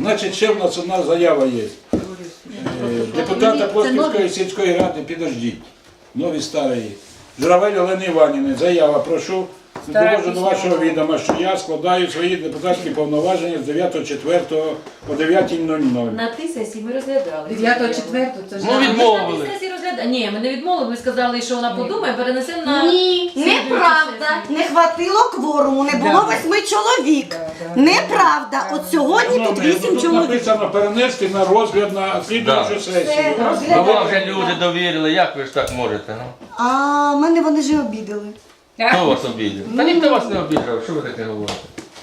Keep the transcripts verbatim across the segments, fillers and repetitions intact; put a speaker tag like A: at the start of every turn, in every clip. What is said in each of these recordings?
A: Значить, ще в нас одна заява є. Е, Депутата Плосківської сільської ради, підождіть, нові старої. Журавель Олени Іванівни, заява, прошу. Довожу до вашого відома, що я складаю свої депутатські повноваження з дев'ятого четвертого по дев'ята нуль нуль.
B: На тій сесії ми розглядали.
C: дев'ятого четвертого це ж...
D: Ну, відмовили.
B: На тій сесії розглядали. Ні, ми не відмовили, ми сказали, що вона подумає, перенесемо на...
E: Ні, неправда. Не хватило кворуму, не було восьми чоловік. Неправда. От сьогодні тут вісім
A: Тут
E: чоловік.
A: написано перенести на розгляд на слідуючу сесію.
D: Ну вам вже люди довірили, як ви ж так можете? Ну?
E: А мене вони ж і обідали.
D: Хто вас обідав? Та ніхто вас не обідрав, що ви таке говорите?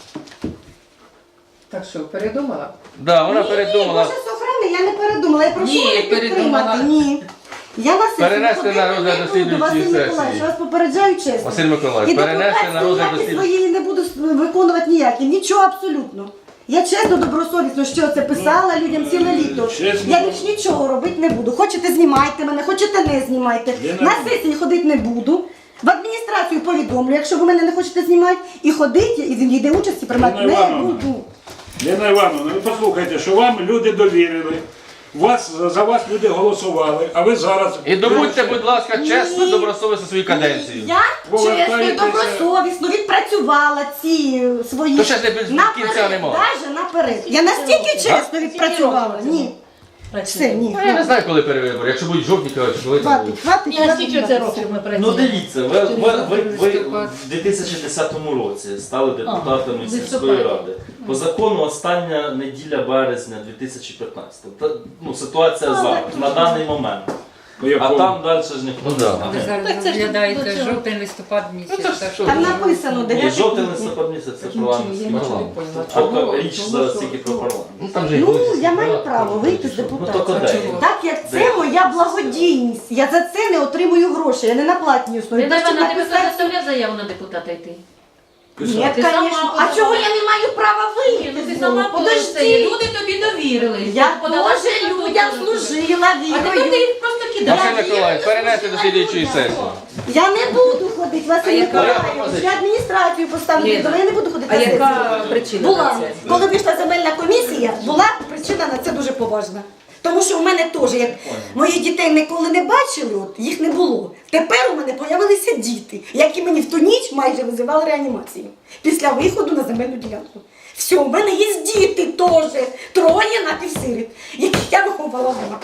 C: Так що, передумала?
D: Да, вона
E: Ні,
D: передумала.
E: Боже сохрани, я не передумала, я прошу
C: Ні,
E: мене
C: передумала.
E: підтримати. Ні. Я на сесію
D: Перенести
E: ходити
D: на розгляд
E: не
D: до
E: буду,
D: слідуючої
E: Василь
D: сесії.
E: Миколаївич, я вас попереджаю чесно.
D: Василь Миколаївич,
E: І
D: перенести на
E: депутатські
D: розгляд до
E: ніякі
D: слідуючої.
E: свої не буду виконувати ніякі, нічого абсолютно. Я чесно, добросовісно, що це писала людям ціле літо.
A: чесно.
E: Я більш нічого робити не буду. Хочете знімайте мене, хочете не знімайте.
A: Я
E: На
A: не-
E: сесії ходити не буду. В адміністрацію повідомлю, якщо ви мене не хочете знімати, і ходити, і ніде участі приймати
A: Лена
E: не
A: Івановна.
E: буду.
A: Лена Івановна, ви послухайте, що вам люди довірили, вас, за вас люди голосували, а ви зараз...
D: І добудьте, будь ласка, чесно, добросовісно свою каденцію.
E: Я чесно,
A: Повертаєтеся.
E: добросовісно відпрацювала ці е, свої...
D: То ще ж не без кінця нема.
E: Навіть наперед. Я настільки чесно відпрацювала. Ні. Все, ні.
D: Ну, я не знаю, коли перевибори, якщо будуть жовтні, чи коли там будуть.
E: Хватить, хватить.
B: Ні, а
E: хватить,
B: скільки це
E: хватить.
B: років ми
F: Ну
B: працюємо?
F: дивіться, ви, ви, ви, ви в дві тисячі десятому році стали депутатами
B: А,
F: сільської
B: листопаді.
F: ради. По закону остання неділя березня дві тисячі п'ятнадцятого. Та, ну, ситуація зараз, на даний момент.
A: По
F: А
A: якому?
F: там далі ж ніхто
D: Ну,
F: не
D: да.
F: знає.
C: Ви зараз
B: Так це ж
C: розглядаєте
B: до цього.
C: жовтень, листопад місяць. так що
E: Там
C: ви-
E: написано
F: І
E: дев'ятий
F: жовтий
E: квітня.
F: листопад місяць це
C: Я
F: парламентський
C: нічого не
F: парламент.
C: поняла.
F: А річ зараз тільки про парламент.
D: Ну, там же і
E: Ну,
D: голоси.
E: я маю право вийти з
F: Ну то
E: депутатів.
F: куди?
E: Так як це моя благодійність. Я за це не отримую гроші, я не на платній основі.
B: Лена
E: Бачите,
B: Івановна, ти
E: написати-
B: заставляв заяву на депутата йти?
E: Ні,
A: Писати.
B: Ти сама
E: звісно.
B: подала.
E: А чого я не маю права
B: Ні,
E: вийти?
B: ну ти
E: з
B: сама
E: нього?
B: подожди.
E: Подожди.
B: Люди тобі довірили.
E: Я
B: Ти подала
E: теж
B: статут.
E: людям служила,
B: А тепер ти
E: вірою.
B: їх просто кидаєш.
D: Василь Миколаївич, перенести до слідуючої сесії.
E: Я не буду ходити, Василь
C: А яка
E: Миколаївич. Я адміністрацію поставлю,
C: Лена,
E: але я не буду ходити
C: А
E: на сесію.
C: яка причина
E: Була.
C: на це?
E: Коли вийшла земельна комісія, була причина на це дуже поважна. Тому що у мене теж, як моїх дітей ніколи не бачили, от, їх не було. Тепер у мене з'явилися діти, які мені в ту ніч майже визивали реанімацію. Після виходу на земельну ділянку. Все, у мене є діти теж, троє напівсиріт, яких я виховала вдома.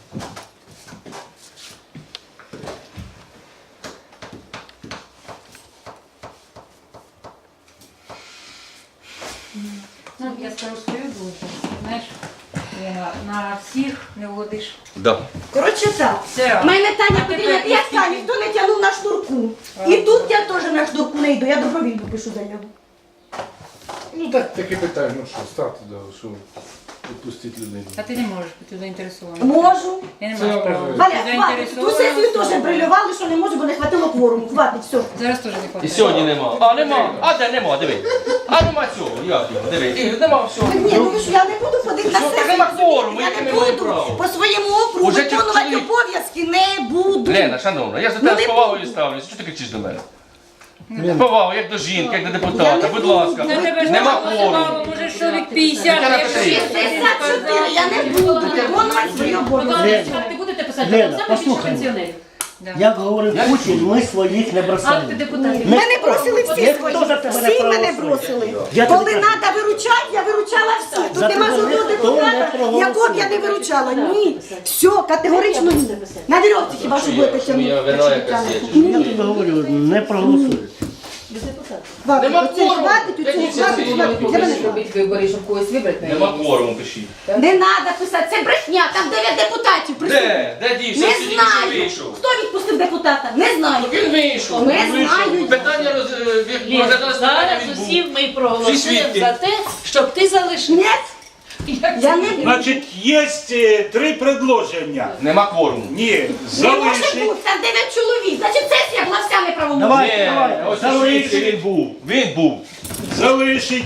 C: Ну, я скажу свою думку. Знаєш, Лена, на всіх не вгодиш.
D: Да.
E: Коротше так,
C: Все.
E: в мене Таня
C: А
E: Петрівна,
C: тепер
E: як
C: скільки?
E: та, ніхто не тягнув на шнурку. І тут я теж на шнурку не йду, я добровільно пишу заяву.
G: Ну так, таке питання, ну що, ставте, да, що відпустити людину.
C: А ти не можеш бути заінтересований.
E: Можу.
C: Я не
G: Це
C: маю права.
G: може.
E: Валя,
C: Ти
E: хватить. Ту
C: заінтересована,
E: сесію теж
C: все.
E: брилювали, що не можу, бо не хватило кворуму. Хватить, все.
C: Зараз теж не
D: І
C: хватає.
D: сьогодні нема. А, нема. А де нема, диви. А нема цього, як його, диви. І нема всього.
E: Ні, ну ви ж я не буду ходити на
D: Що,
E: сесію.
D: так нема кворуму,
E: Я
D: яке
E: не
D: ми маємо
E: буду
D: право?
E: по своєму округу
D: Уже
E: виконувати
D: чоловік-
E: обов'язки, не буду.
D: Лена, шановна, я за
E: Ну,
D: тебе
E: не
D: з повагою
E: буду.
D: ставлюся. Що ти кричиш до мене?
G: Лена.
D: З повагою, як до жінки, як до
E: Я
D: депутата,
E: не
D: будь
E: буду.
D: ласка.
C: На тебе ж
D: Нема
C: голосувало,
D: кворуму.
C: може, чоловік п'ятдесят.
D: Тетяна
C: якщо
D: Петрівна.
C: ти
E: шістдесят чотири, я не буду виконувати свої обов'язки.
B: Микола, акти будете писати?
H: Лена,
B: Там саме більше
H: послухай.
B: пенсіонерів.
H: Як говорив Путін, ми своїх не
B: Акти
H: бросаємо.
B: депутатів.
E: Мене бросили всі
H: Ніхто
E: свої.
H: за тебе не
E: Всі мене
H: проголосує.
E: бросили.
H: Я
E: Коли
H: тобі кажу.
E: треба виручати, я виручала всіх. Тут
H: За
E: нема
H: тебе
E: жодного
H: ніхто не
E: депутата,
H: проголосує.
E: якого б я не виручала. Ні. Все, категорично ні. На вірьовці хіба що будете
D: Що моя
E: тягнути.
D: вина якась є, чи
H: Я тобі говорю, не проголосують.
E: Хватить,
D: Нема
E: оце
D: кворуму.
E: хватить,
D: Які
E: оцього
D: це
E: хватить,
D: свої?
E: хватить. Для мене хватить.
C: робити вибори, щоб когось вибрати.
D: Нема кворуму, пишіть.
E: Не треба писати, це брехня, там дев'ять депутатів присутні.
D: Де? Де дівся?
E: Не
D: Сьогодні
E: знаю.
D: вийшов.
E: Хто відпустив депутата? Не знаю.
D: Він вийшов.
E: Не
D: Він вийшов.
E: знаю.
D: Питання роз... е, від-
I: Ні,
D: розглядалось питання,
I: зараз
D: він був.
I: усі ми
D: Всі
I: проголосуємо
D: свідки.
I: за те, щоб ти залишив.
E: Ні, я не буду.
A: Значить, є е, три предложення.
D: Нема кворуму.
A: Ні,
E: Не може
A: залишить.
E: бути, там дев'ять чоловік. Значить, сесія була вся неправомірна.
H: Давай,
D: Ні,
H: давай,
D: ось
H: залишить.
D: звідси він був. Він був.
A: Залишить,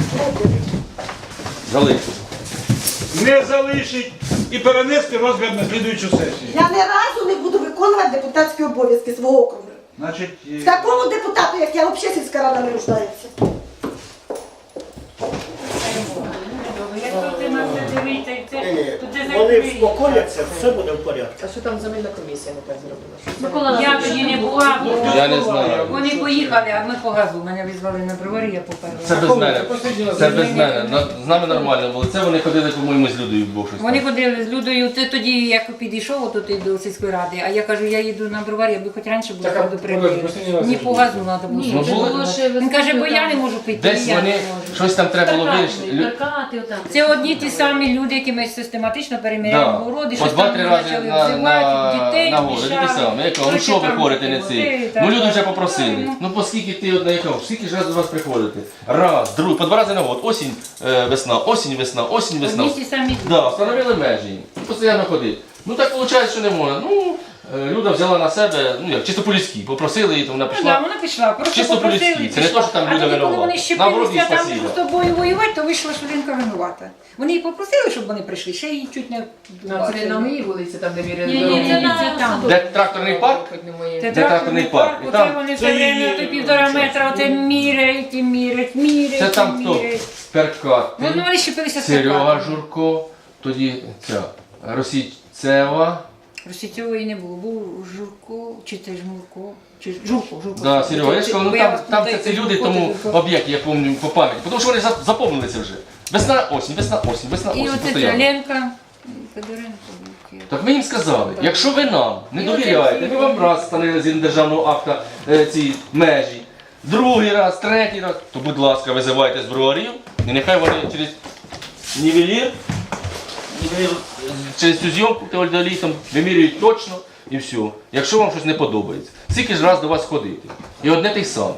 D: Залишив.
A: не залишить і перенести розгляд на слідуючу сесію.
E: Я ні разу не буду виконувати депутатські обов'язки свого округу.
A: Значить, е,
E: Такому депутату, як я, взагалі сільська рада не нуждається.
C: Якщо ти на дивіться, і це,
H: Ні-ні,
C: то це
H: Вони
C: закриється.
H: вспокояться, все буде в порядку.
I: А що там земельна комісія не так зробила? Що це?
B: Микола
C: Я тоді не була, бо
D: Я не знаю.
C: вони поїхали, а ми по газу. Мене визвали на броварі, я поперла.
D: Це без мене. Це без мене. На- З нами нормально було. Це вони ходили, по-моєму, з Людою вдвох щось.
C: Вони
D: там.
C: ходили з Людою, ти тоді, як підійшов отут до сільської ради, а я кажу, я їду на броварі, аби хоч раніше було
G: Так, а
C: предупредити.
G: Володь, останній раз
C: Ні
G: я
C: по газу треба було.
B: Ні,
D: Ну,
B: це
D: було-
B: було ще
C: Він каже, бо я не
B: можу.
C: можу піти.
D: Десь
C: я не
D: вони
C: можу.
D: щось там треба було вирішити. Лю-
B: Перкати, отак.
C: Це одні ті самі люди, які ми систематично
D: Да.
C: переміряємо городи,
D: По
C: щось
D: два-три
C: там
D: рази
C: почали
D: на,
C: взивати,
D: на,
C: дітей
D: на городи,
C: мішали.
D: такі самі. Я кажу, ну
C: Щось
D: що ви
C: там
D: ходите не
C: води,
D: цей?
C: так,
D: Ну люди вже
C: так.
D: попросили.
C: Ну,
D: Ну поскільки ти одна яка, скільки ж раз до вас приходите? Раз, другий, по два рази на год. Осінь, е, весна, осінь, весна, осінь, весна.
C: Одні ті самі люди.
D: Да, встановили межі. І постійно ходить. Ну так виходить, що не можна. Ну, е, Люда взяла на себе, ну як, чисто по-людськи, попросили її, то вона
C: Ну, да,
D: пішла.
C: вона пішла, просто
D: Чисто
C: попросили,
D: по-людськи. Це не
C: пішла.
D: то, що там
C: а
D: Люда
C: тоді, коли
D: винувата.
C: вони
D: Наоборот, їй
C: щепилися там
D: спасибо.
C: з тобою воювати, то вийшла, що Лінка винувата. Вони її попросили, щоб вони прийшли, ще її чуть не...
I: Ну, це не на моїй вулиці, там, де міряли.
B: Ні, ні,
I: дорогу.
B: це на
C: Це там.
D: Де тракторний парк?
I: Хоч не моє.
C: Це
D: Де тракторний парк. І
C: Оце
D: там-
C: вони
A: Це
C: все время
A: її-
C: то півтора метра, оце міряють і міряють, міряють
D: Це
C: і
D: там хто?
C: міряють.
D: Перкат.
C: Ну, ну, вони щепилися з
D: Серега
C: Карпатами.
D: Журко, тоді ця Російцева.
C: Російцьової не було, був Журко, чи це Жмурко, чи Журко, Журко.
D: Да, Серега, я ж кажу, ну
C: Бо я
D: там,
C: вас
D: там це
C: питаю,
D: ці люди,
C: Журко,
D: тому
C: це Журко.
D: об'єкти, я пам'ятаю по пам'яті. Тому що вони за- запомнилися вже. Весна, осінь, весна, осінь, весна,
C: І
D: осінь.
C: оце ця
D: постійно.
C: Ленка, Федоренко. був.
D: Так ми їм сказали, якщо ви нам не
C: І оце
D: довіряєте,
C: всі
D: ми вам раз встановили згідно державного акта е, ці межі, другий раз, третій раз, то будь ласка, визивайте з броварів, і нехай вони через нівелір, нівелір, е, через цю зйомку теодолітом вимірюють точно і все. Якщо вам щось не подобається. Скільки ж раз до вас ходити? І одне те й саме.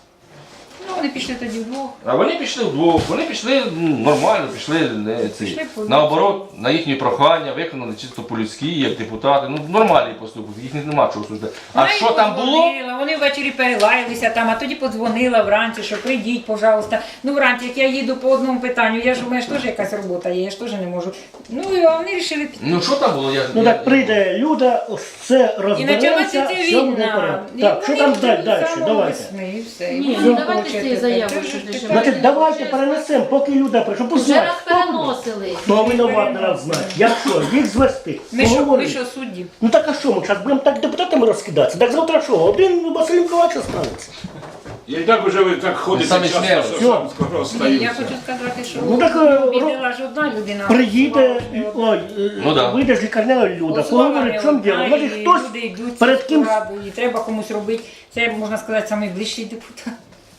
C: Ну, вони пішли тоді вдвох.
D: А вони пішли вдвох, вони пішли ну, нормально, пішли не, ці,
C: Пішли по-
D: наоборот, на їхні прохання, виконали чисто по-людськи, як депутати. Ну, нормальний поступок, їх нема чого судити. А
C: Вона
D: що
C: їм
D: там було?
C: подзвонила, вони ввечері перелаялися там, а тоді подзвонила вранці, що прийдіть, пожалуйста. Ну, вранці, як я їду по одному питанню, я ж у мене ж теж якась робота є, я ж теж не можу. Ну, і вони вирішили піти.
D: Ну що там було? Я,
H: Ну
D: я-
H: так прийде Люда, все
C: І
H: розбереться,
C: почалася ця
H: все буде в
C: війна.
H: порядку.
C: І
H: Так, що
C: вони
H: там
C: вже
H: далі,
C: з
H: далі,
C: самого
H: давайте.
C: весни, і все.
B: Ні,
C: І
B: ну,
C: вони
B: давайте
C: хочуть
B: цієї
C: тепер.
B: заяви,
C: Це ж
B: щоб
C: тепер-
B: не
H: Значить, давайте перенесемо, поки Люда прийшов. Пусть
B: Вже
H: знає,
B: раз
H: хто буде.
B: переносили.
H: Хто винуват, треба знати. Як що, їх звести.
C: Ми що, ми
H: Поговорити.
C: що, судді?
H: Ну так а що, ми зараз будемо так депутатами розкидатися? Так завтра що, один Василь Миколаївич останеться.
A: І так уже ви так ходите
D: самі
A: часто,
D: смієтесь.
A: що сам скоро
C: Ні, я
A: остаються.
C: хочу сказати, що
H: Ну, так, е,
C: бідила ж одна людина.
H: Приїде,
C: голосувала,
H: ой, е,
D: Ну да.
H: вийде з лікарняної Люда,
C: голосувала
H: поговорить,
C: не
H: в чому
C: одна,
H: діло.
C: і
H: Може хтось
C: люди йдуть
H: перед
C: в
H: ким...
C: раду, і треба комусь робити. Це, можна сказати, найближчий депутат.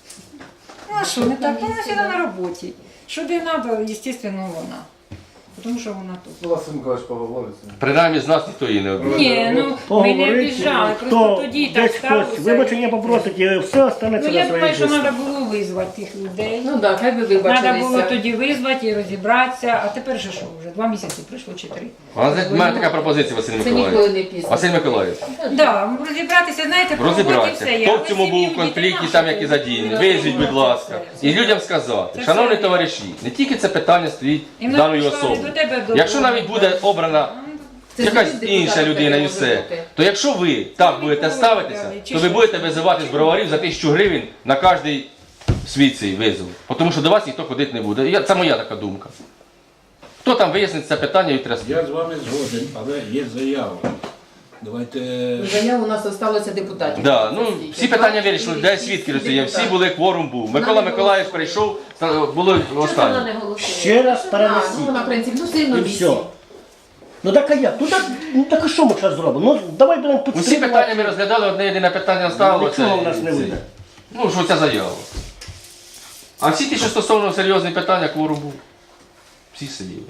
C: Ну а що, не так? Вона сюди на роботі. Що де треба, звісно, вона. Тому що вона тут.
G: Ну, Василь Миколаївич поговорить. з ним.
D: Принаймні з нас ніхто її не обіцяв.
C: Ні, ну ми не
H: Поговорити,
C: обіжали,
H: хто
C: просто тоді так
H: десь хтось
C: сталося.
H: вибачення попросить, і все останеться
C: Ну
H: на
C: я
H: своїй
C: думаю, що
H: місці.
C: треба було визвати тих людей.
I: Ну так, хай би
C: Треба було
I: вибачилися.
C: тоді визвати і розібратися, а тепер же що вже? Два місяці пройшло чи три.
D: У мене така пропозиція, Василь
I: Це
D: Миколаївич.
I: ніколи не пізно.
D: Василь Миколаївич,
C: Да, розібратися, знаєте, по роботі
D: розібратися.
C: все є.
D: Хто
C: Але
D: в цьому
C: сім'ю,
D: був конфлікт і
C: дітей
D: там
C: наших
D: які задіяні?
C: розібратися.
D: Визвіть, будь ласка. І людям сказати,
C: Це
D: шановні
C: все.
D: товариші, не тільки це питання стоїть
C: І в нас
D: даної
C: прийшла
D: особи.
C: до тебе до-
D: Якщо навіть буде обрана
I: Це
D: якась
I: ж один
D: інша
I: депутат
D: людина і
I: може
D: все,
I: бути.
D: то якщо ви так
C: Це
D: будете
C: ніколи
D: ставитися,
C: не дали. Чи
D: то ви
C: що?
D: будете визивати з броварів за тисячу гривень на кожний свій цей визов. Тому що до вас ніхто ходити не буде. Я- Це моя така думка. Хто там вияснить це питання і тряс.
A: Я з вами згоден, але є заява. Давайте.
I: Заяв у нас залишилося депутатів.
D: Да, ну, всі питання вирішили, де свідки розсіяв, всі були, кворум був. Микола Миколаївич прийшов, ста- було
B: Чого вона
D: останнє.
B: не голосує?
H: Ще раз
I: А, ну,
H: перенесіть.
I: вона, в принципі, ну сильно
H: І
I: вісім.
H: все. Ну так а як? Ну так, ну так а що ми зараз зробимо? Ну давай будемо
D: Усі
H: підтримувати.
D: питання ми розглядали, одне єдине питання стало.
H: Нічого в нас не вийде.
D: Ну, що ця заява. А всі ті, що стосовно серйозних питань, кворум був. Всі сиділи.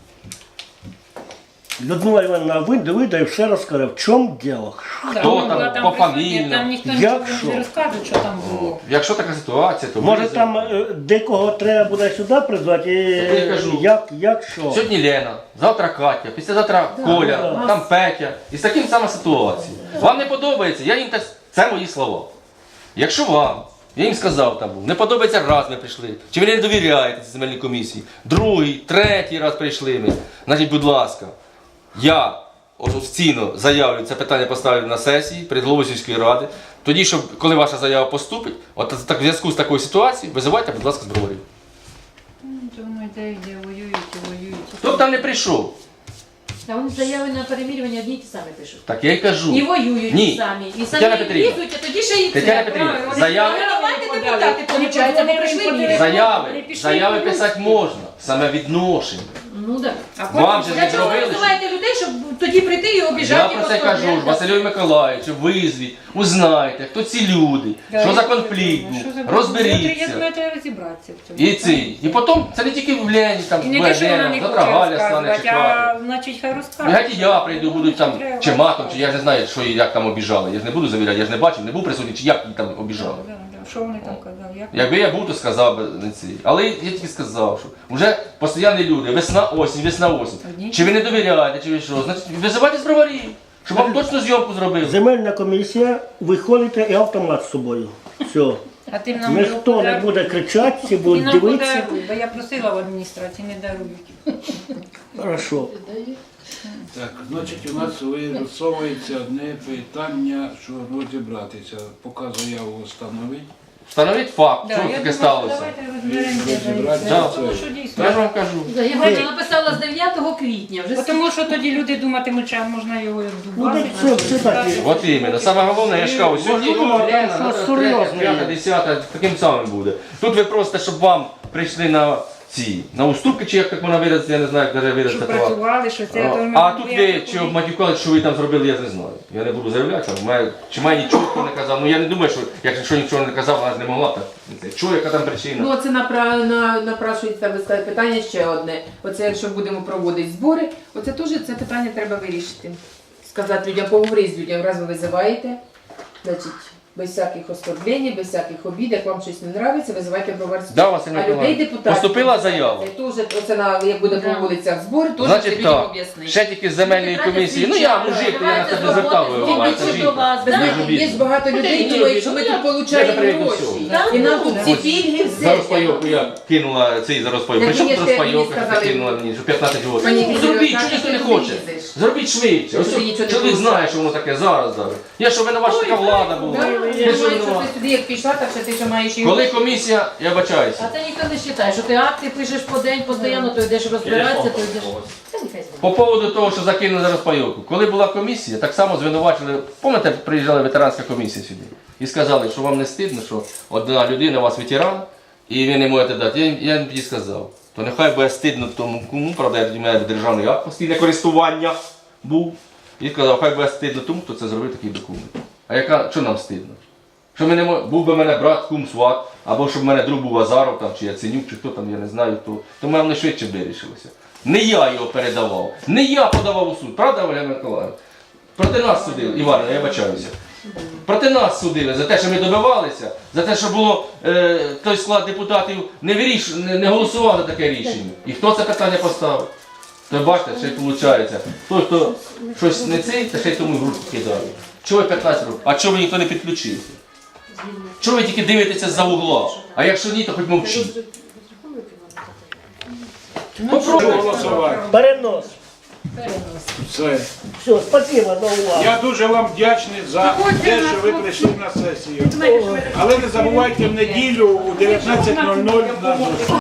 H: Людмила Івановна вийде, вийде і все розкаже, в чому діло.
C: Да,
D: Хто
C: вона
D: там,
C: була
D: пофамільно?
C: присутня, Там ніхто
H: Як
C: нічого
H: що?
C: не розказує, що там було.
D: Якщо така ситуація, то
H: Може
D: визов.
H: там е, декого треба буде сюди призвати,
D: Я
H: і,
D: кажу.
H: як, як що?
D: Сьогодні Лена, завтра Катя, післязавтра Коля,
H: да.
D: там Петя. І з таким сама ситуація. Вам не подобається, я їм те, це мої слова. Якщо вам, я їм сказав там був, не подобається раз ми прийшли, чи ви не довіряєте цій земельній комісії, другий, третій раз прийшли ми, значить, будь ласка, я офіційно заявлю, це питання поставлю на сесії перед головою сільської ради. Тоді, щоб коли ваша заява поступить, от так, в зв'язку з такою ситуацією, визивайте, будь ласка, з броварів.
C: Ну, то воно йде, йде, воюють і воюють.
D: Тобто там не прийшов.
B: А вони заяви на перемірювання одні й ті самі пишуть.
D: Так я й кажу.
B: І воюють
D: Ні.
B: ті самі. І
D: Тетяна
B: самі
D: Петрівна.
B: лізуть, а тоді ще й це.
D: Тетяна Петрівна,
B: Правильно, вони
D: заяви-
B: сказали, давайте депутати,
C: Вони
B: виходить, бо прийшли
C: подали-
B: міряти.
D: Заяви,
C: Пішли
D: заяви
C: в Русь.
D: писати можна, саме відношення.
B: Ну так.
C: А
D: Вам
C: потім
D: же
B: Для
D: не
B: чого ви
D: зробили?
B: висуваєте людей, щоб тоді прийти і
D: Я
B: обіжати?
D: про це кажу ж, Василю Миколаївичу, визвіть, узнайте, хто ці люди,
C: Да,
D: що за
C: я-
D: конфлікт
C: Ну, що
D: був,
C: за- Я
D: розберіться.
C: думаю, треба розібратися в цьому.
D: І ці. І потім це не тільки в Лені, там,
C: І не те, що вона
D: Бедена,
C: не
D: завтра
C: хоче
D: Галя стане
C: розказувати,
D: чекати.
C: а значить хай
D: І
C: розкаже.
D: геть і я прийду, будуть там
C: Треба
D: чи матом,
C: розказувати.
D: чи я ж не знаю, що і як там обіжали. Я ж не буду завіряти, я ж не бачив, не був присутній, чи як її там обіжали.
C: Да, да. Що вони там казали? Як?
D: Якби я був, то сказав би не ці. Але я тільки сказав, що вже постійні люди, весна, осінь, весна, осінь.
C: Одні.
D: Чи ви не довіряєте, чи ви що? Значить, визивайте з броварів, щоб вам точно зйомку зробили.
H: Земельна комісія, виходите і автомат з собою. Все.
C: А ти нам
H: Ніхто не буде кричати, всі
C: Ти
H: будуть
C: нам
H: дивитися.
C: подаруй, бо я просила в адміністрації, не дарують.
H: Хорошо.
A: Так, значить, у нас вирисовується одне питання, що розібратися. Поки заяву встановить.
D: Встановіть факт,
C: Да,
D: що
C: я
D: таке
C: думаю,
D: сталося.
C: Давайте розберемося.
A: Розібратися.
C: Да,
D: Да.
C: тому що дійсно.
D: Я ж вам кажу.
B: Заявлення написала з дев'ятого квітня. Вже
C: Бо Тому що тоді люди думатимуть, що можна його
H: Ну,
C: дубасити.
H: так це все так.
D: От іменно. Саме головне, я ж кажу, сьогодні
H: Можливо,
D: Лена,
H: щось
D: завтра
H: серйозне
D: третя, п'ята,
H: є.
D: десята, таким самим буде. Тут ви просто, щоб вам прийшли на ці, на уступки, чи як так можна виразити, я не знаю, як навіть
C: Щоб
D: виразити. слова.
C: працювали, що це... то ми
D: А тут
C: будемо
D: ви чи обматюкали, що ви там зробили, я не знаю. Я не буду заявляти, там, має- чи має нічого хто не казав. Ну я не думаю, що якщо нічого не казав, вона ж не могла так. Чого, яка там причина?
I: Ну, це напра... на... напрашується ви сказали, питання ще одне. Оце якщо будемо проводити збори, оце теж це питання треба вирішити. Сказати людям, поговорити з людьми, раз ви визиваєте, значить, без всяких оскорблень, без всяких обід, як вам щось не подобається, визивайте броварську.
D: Да, Василь
I: А людей
D: Миколаївич,
I: депутатів.
D: поступила заява.
I: Це теж, оце на, як буде по вулицях збори, теж це
D: Значить
I: людям
D: так,
I: об'яснити.
D: ще тільки з земельної комісії. Ну я мужик, то я на тебе не звертав, ви маєте
B: до
D: жінку.
B: вас.
I: Ви
B: да?
I: знаєте,
D: обідно.
I: є багато людей,
D: Ні,
I: думають,
D: ні,
I: що ми
D: ні,
I: тут
D: я- я
I: получаємо
D: запрягну
I: гроші.
D: всього.
I: І нам тут ці
D: Ось
I: пільги
D: За
I: все.
D: розпайовку я кинула цей за розпайовку.
I: Так,
D: Причому
I: ні,
D: тут
I: ж ти мені
D: розпайовка,
I: сказали,
D: ти кинула мені, що п'ятнадцять років.
I: Пані
D: Ну,
I: Кирило,
D: зробіть,
I: так,
D: що ніхто
I: ти
D: не
I: не
D: хоче.
I: лізеш.
D: Зробіть швидше. Ось
I: Ти нічого не
D: чоловік
I: хочеш.
D: знає, що воно таке зараз зараз. Я що винуват, що така влада була.
I: Да,
D: Я
I: Думаю,
D: що
I: що
D: винуват?
I: ти сюди як пішла, так що ти ще маєш і
D: Коли комісія, я бачаюся.
B: А це ніхто не вважає, що ти акти пишеш по день, постійно, то йдеш розбиратися, то йдеш. Це нехай знає.
D: По поводу того, що закинули за розпайовку. Коли була комісія, так само звинувачили, пам'ятаєте, приїжджала ветеранська комісія сюди. І сказали, що вам не стидно, що одна людина, у вас ветеран, і ви не можете дати. Я, я їм тоді сказав, то нехай буде стидно тому кому, правда, я тоді в мене державний акт постійне користування був. І сказав, хай буде стидно тому, хто це зробив такий документ. А яка, що нам стидно? Що ми не мо- був би в мене брат, кум, сват, або щоб в мене друг був Азаров, там, чи Яценюк, чи хто там, я не знаю хто, то в мене швидше вирішилося. Не я його передавав, не я подавав у суд, правда, Оля Миколаївна? Проти нас судили, Івана, я бачаюся. Проти нас судили за те, що ми добивалися, за те, що було е, той склад депутатів не, виріш, не, не голосував за таке рішення. І хто це питання поставив? То бачите, ще й виходить. Той, хто щось не цей, та ще й тому в руку кидає. Чого ви п'ятнадцять років? А чого ви ніхто не підключився? Чого ви тільки дивитеся за угла? А якщо ні, то хоч мовчіть.
A: Прошу голосувати.
H: Перенос.
A: Все.
H: Все, спасибо за увагу.
A: Я дуже вам вдячний за те, що ви прийшли на сесію. Але не забувайте в неділю у дев'ятнадцять нуль нуль на